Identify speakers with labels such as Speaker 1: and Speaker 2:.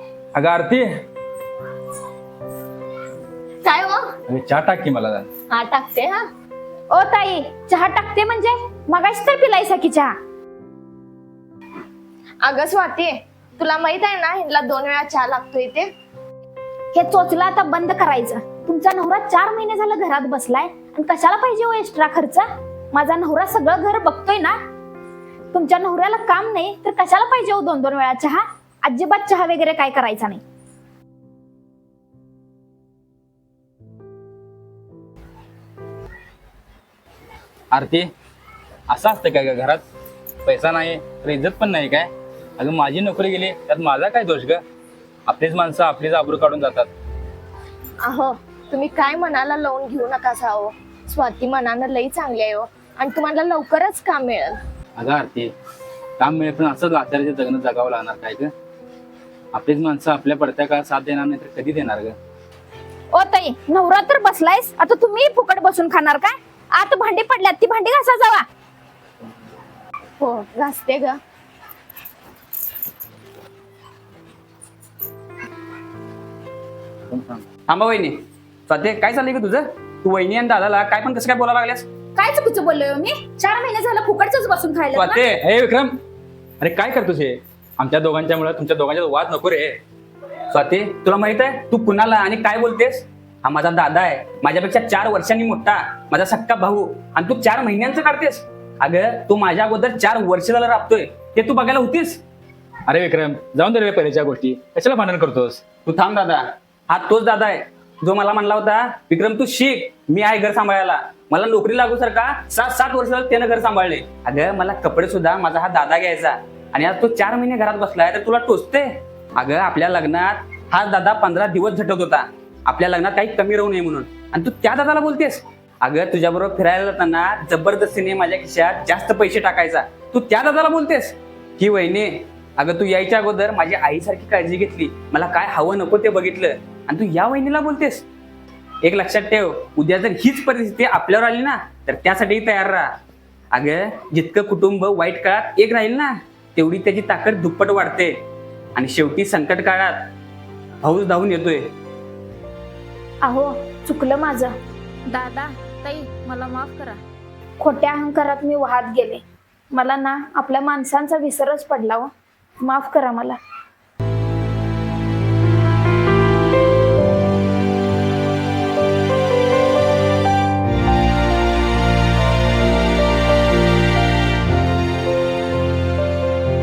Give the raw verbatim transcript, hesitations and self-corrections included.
Speaker 1: अगं आरती,
Speaker 2: काय हो?
Speaker 1: अरे चहा टाक की मला.
Speaker 2: हा टाकते. हा
Speaker 3: ओ ताई, चहा टाकते म्हणजे मगाशी तर पिलायसा की चहा.
Speaker 2: अगं स्वाती, तुला माहित आहे ना ह्यांना दोन वेळा चहा लागतोय ते.
Speaker 3: हे चोचला आता बंद करायचं. तुमचा नवरा चार महिने झालं घरात बसलाय आणि कशाला पाहिजे हो एक्स्ट्रा खर्च? माझा नवरा सगळं घर बघतोय ना. तुमच्या नवऱ्याला काम नाही तर कशाला पाहिजे हो दोन दोन वेळा चहा? अजिबात चहा वगैरे काय करायचा नाही.
Speaker 1: आरती, असं असतं काय ग? घरात पैसा नाही तर इज्जत पण नाही काय? अगं माझी नोकरी गेली त्यात माझा काय दोष ग? आपलीच माणसं आपलीच आबरू काढून जातात.
Speaker 2: अहो, तुम्ही काय मनाला लावून घेऊ नका साहो. स्वाती मनानं लई चांगली आहे हो आणि तुम्हाला लवकरच काम मिळेल.
Speaker 1: अगं आरती, काम मिळेल पण असंच लाचारीचं जगणं जगावं लागणार काय ग? आपलीच माणसं आपल्या पडत्या काळात साथ देणार नाही तर कधी देणार ग?
Speaker 3: ओ ताई, नवरा तर बसलायस, आता तुम्ही फुकट बसून खाणार काय? आत भांडी पडल्यात, ती भांडी घासा जावा.
Speaker 2: हो घासते ग.
Speaker 4: थांबा वहिनी. स्वाती, काय चाललंय का तुझं? तू वहिनी आणि दादाला काय पण कसं काय बोलायला लागल्यास?
Speaker 3: काय चुकीचं बोललोय मी? चार महिने झालं फुकटच बसून खायला ना?
Speaker 4: स्वाती,
Speaker 1: हे विक्रम, अरे काय करतोस हे? आमच्या दोघांच्या मुळे तुमच्या दोघांच्या वाद नको रे.
Speaker 4: स्वाती, तुला माहित आहे तू कुणाला आणि काय बोलतेस? हा माझा दादा आहे, माझ्यापेक्षा चार वर्षांनी मोठा, माझा सक्का भाऊ, आणि तू चार महिन्यांचं काढतेस? अगं तू माझ्या अगोदर चार वर्ष झालं राबतोय, ते तू बघायला होतीस?
Speaker 1: अरे विक्रम, जाऊन दे रे पहिल्याच्या गोष्टी, कशाला भांडण करतोस?
Speaker 4: तू थांब दादा. हा तोच दादा आहे जो मला म्हणला होता, विक्रम तू शिक, मी आहे घर सांभाळायला. मला नोकरी लागू सारखा सात सात वर्ष त्यानं घर सांभाळले. अगं मला कपडे सुद्धा माझा हा दादा घ्यायचा, आणि आज तो चार महिने घरात बसलाय तर तुला टोचते? अगं आपल्या लग्नात हा दादा पंधरा दिवस झटत होता आपल्या लग्नात काही कमी राहू नये म्हणून, आणि तू त्या दादाला बोलतेस? अगं तुझ्याबरोबर फिरायला जाताना जबरदस्तीने माझ्या खिशात जास्त पैसे टाकायचा, तू त्या दादाला बोलतेस? ही वहिनी, अगं तू यायच्या अगोदर माझी आईसारखी काळजी घेतली, मला काय हवं नको ते बघितलं, आणि तू या वहिनीला बोलतेस? एक लक्षात ठेव, उद्या जर हीच परिस्थिती आपल्यावर आली ना तर त्यासाठी तयार राहा. अगं जितकं कुटुंब वाईट काळात एक राहील ना तेवढी त्याची ताकद दुप्पट वाढते, आणि शेवटी संकट काळात भाऊच धावून येतोय.
Speaker 3: अहो, चुकलं माझं.
Speaker 5: दादा, ताई, मला माफ करा.
Speaker 3: खोट्या अहंकारात मी वाहत गेले. मला ना आपल्या माणसांचा विसरच पडला हो. माफ करा मला.